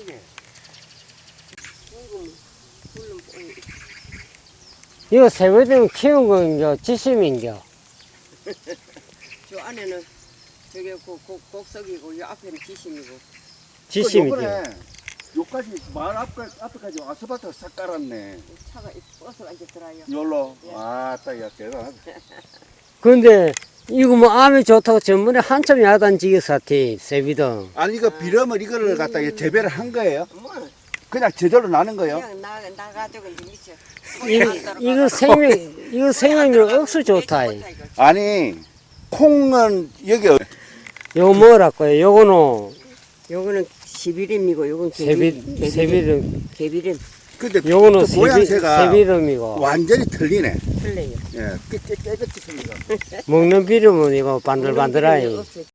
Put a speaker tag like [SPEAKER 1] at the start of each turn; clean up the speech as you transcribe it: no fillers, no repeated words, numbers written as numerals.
[SPEAKER 1] 크네.
[SPEAKER 2] 이거 세뱃돈 키운 건겨, 지심인겨?
[SPEAKER 3] 저 안에는 저게 곡석이고 이 앞에는 지심이고.
[SPEAKER 2] 지심이지.
[SPEAKER 1] 요번에 요까지 마을 앞에까지 아스팔트 싹 깔았네.
[SPEAKER 3] 차가 버스가 이제 들어요.
[SPEAKER 1] 열로.
[SPEAKER 3] 예.
[SPEAKER 1] 아따, 야, 대단하다.
[SPEAKER 2] 근데, 이거 뭐 암이 좋다고 전번에 한참 야단지기 사태, 세비등.
[SPEAKER 1] 아니, 이거 비름을 이거를 갖다 재배를 한 거예요?
[SPEAKER 3] 뭐
[SPEAKER 1] 그냥 저절로 나는 거예요?
[SPEAKER 3] 그냥 나가지고 이제 미쳐.
[SPEAKER 2] 이거 생명력 억수 좋다.
[SPEAKER 1] 아니, 콩은 여기
[SPEAKER 2] 요거 뭐랄까요? 요거는
[SPEAKER 3] 11임이고 요건
[SPEAKER 2] 세비름.
[SPEAKER 3] 개비름
[SPEAKER 1] 근데
[SPEAKER 2] 요거는
[SPEAKER 1] 또 모양새가
[SPEAKER 2] 세비름이고.
[SPEAKER 1] 완전히 틀리네.
[SPEAKER 3] 틀려요.
[SPEAKER 1] 예, 깨끗이 틀리고.
[SPEAKER 2] 먹는 비름은 이거 반들반들하니.